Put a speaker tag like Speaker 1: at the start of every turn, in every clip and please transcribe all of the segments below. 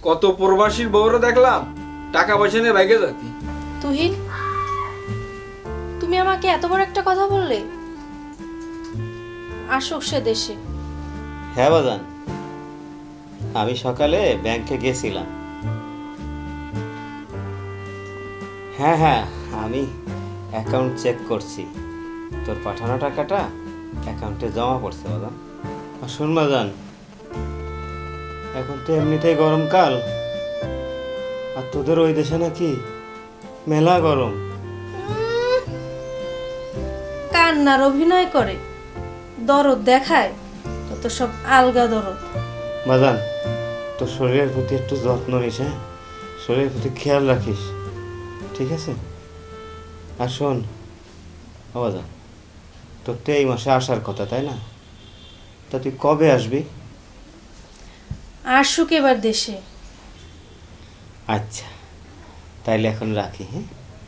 Speaker 1: কত প্রবাসীর বউরা দেখলাম টাকা পয়সা নিয়ে বাইকে যাতি।
Speaker 2: তুহিন, তুমি আমাকে এত বড় একটা কথা বললে? আসুক সে দেশে।
Speaker 3: হ্যাঁ বাজান, আমি সকালে ব্যাংকে গেছিলাম। হ্যাঁ হ্যাঁ, আমি অ্যাকাউন্ট চেক করছি, তোর পাঠানো টাকাটা অ্যাকাউন্টে জমা পড়ছে বাজান। আর শোন বাজান, এখন তো এমনিতেই গরমকাল, আর তোদের ওই দেশে নাকি মেলা গরম।
Speaker 2: কান্নার অভিনয় করে, দরদ দেখায়, তো সব আলগা দরদ।
Speaker 3: বাজান, তোর শরীরের প্রতি একটু যত্ন নিস, হ্যাঁ, শরীরের প্রতি খেয়াল রাখিস, ঠিক আছে? আর শোন বাজান, তোর তো এই মাসে আসার কথা, তাই না? তা তুই কবে আসবি?
Speaker 2: আসুক এবার দেশে।
Speaker 3: আচ্ছা, তাইলে এখন রাখি। হ্যাঁ,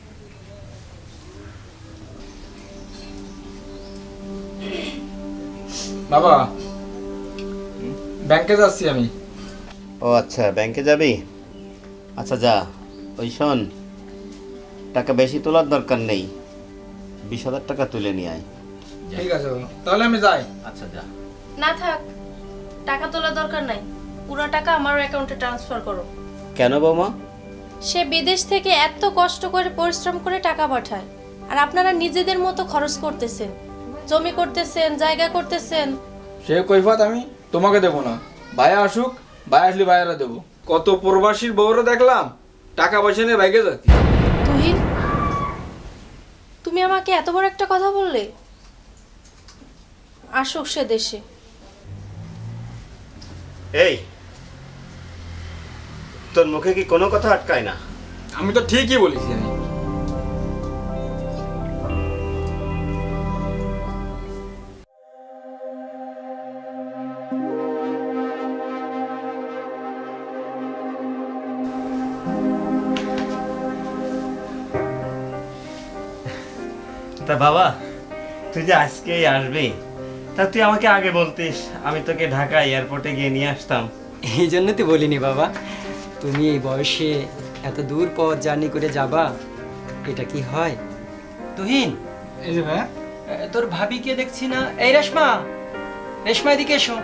Speaker 1: বাবা, ব্যাংকে যাচ্ছি আমি।
Speaker 3: ও আচ্ছা, ব্যাংকে যাবি? আচ্ছা যা। ওই শোন, টাকা বেশি তোলার দরকার নেই, 20,000 টাকা তুলে নিয়ে আয়।
Speaker 1: ঠিক আছে বাবা, তাহলে আমি যাই।
Speaker 3: আচ্ছা যা।
Speaker 2: না থাক, টাকা তোলা দরকার নাই, পুরো টাকা আমার অ্যাকাউন্টে ট্রান্সফার করো।
Speaker 3: কেন বৌমা?
Speaker 2: সে বিদেশ থেকে এত কষ্ট করে পরিশ্রম করে টাকা পাঠায়, আর আপনারা নিজেদের মতো খরচ করতেছেন, জমি করতেছেন, জায়গা করতেছেন।
Speaker 1: সে কৈফত আমি তোমাকে দেবো না, ভাইয়া আসুক, ভাই আসলে ভাইয়ারা দেবো। কত প্রবাসীর বউরা দেখলাম টাকা পয়সা নিয়ে বাইকে যাতি।
Speaker 2: তুহিন, তুমি আমাকে এত বড় একটা কথা বললে? আসুক সে দেশে।
Speaker 3: এই, তোর মুখে কি কোনো কথা আটকায় না?
Speaker 1: আমি তো ঠিকই বলেছি। আমি
Speaker 3: তা বাবা, তুই যে আজকেই আসবি, তা তুই আমাকে আগে বলতিস, আমি তোকে ঢাকা এয়ারপোর্টে গিয়ে নিয়ে আসতাম।
Speaker 4: এই জন্য তো বলিনি বাবা, তুমি এই বয়সে এত দূর পথ জার্নি করে যাবা, এটা কি হয়? তুহিন,
Speaker 1: এই যে ভাইয়া,
Speaker 4: তোর ভাবিকে দেখছি না। এই রেশমা, রেশমা এদিকে এসো।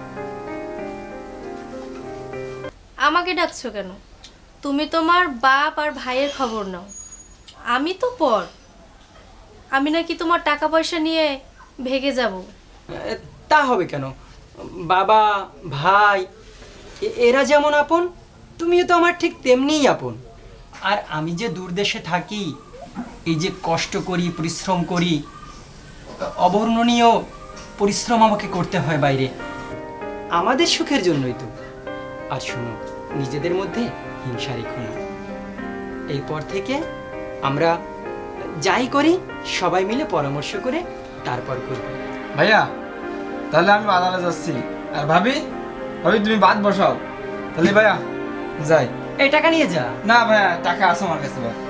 Speaker 2: আমাকে ডাকছো কেন? তুমি তোমার বাপ আর ভাইয়ের খবর নাও, আমি তো পর। আমি নাকি তোমার টাকা পয়সা নিয়ে ভেগে যাব?
Speaker 4: তা হবে কেন? বাবা, ভাই, এরা যেমন আপন, তুমিও তো আমার ঠিক তেমনিই আপন। আর আমি যে দূর দেশে থাকি, এই যে কষ্ট করি, পরিশ্রম করি, অবর্ণনীয় পরিশ্রম আমাকে করতে হয় বাইরে, আমাদের সুখের জন্যই তো। আর শোনো, নিজেদের মধ্যে হিংসা রেখো না। এরপর থেকে আমরা যাই করি সবাই মিলে পরামর্শ করে তারপর করব।
Speaker 1: ভাইয়া তাহলে আমি বাজারে যাচ্ছি। আর ভাবি, ভাবি তুমি ভাত বসাও। তাহলে ভাইয়া যাই।
Speaker 4: এই টাকা নিয়ে যা।
Speaker 1: না ভাইয়া, টাকা আছে আমার কাছে ভাই।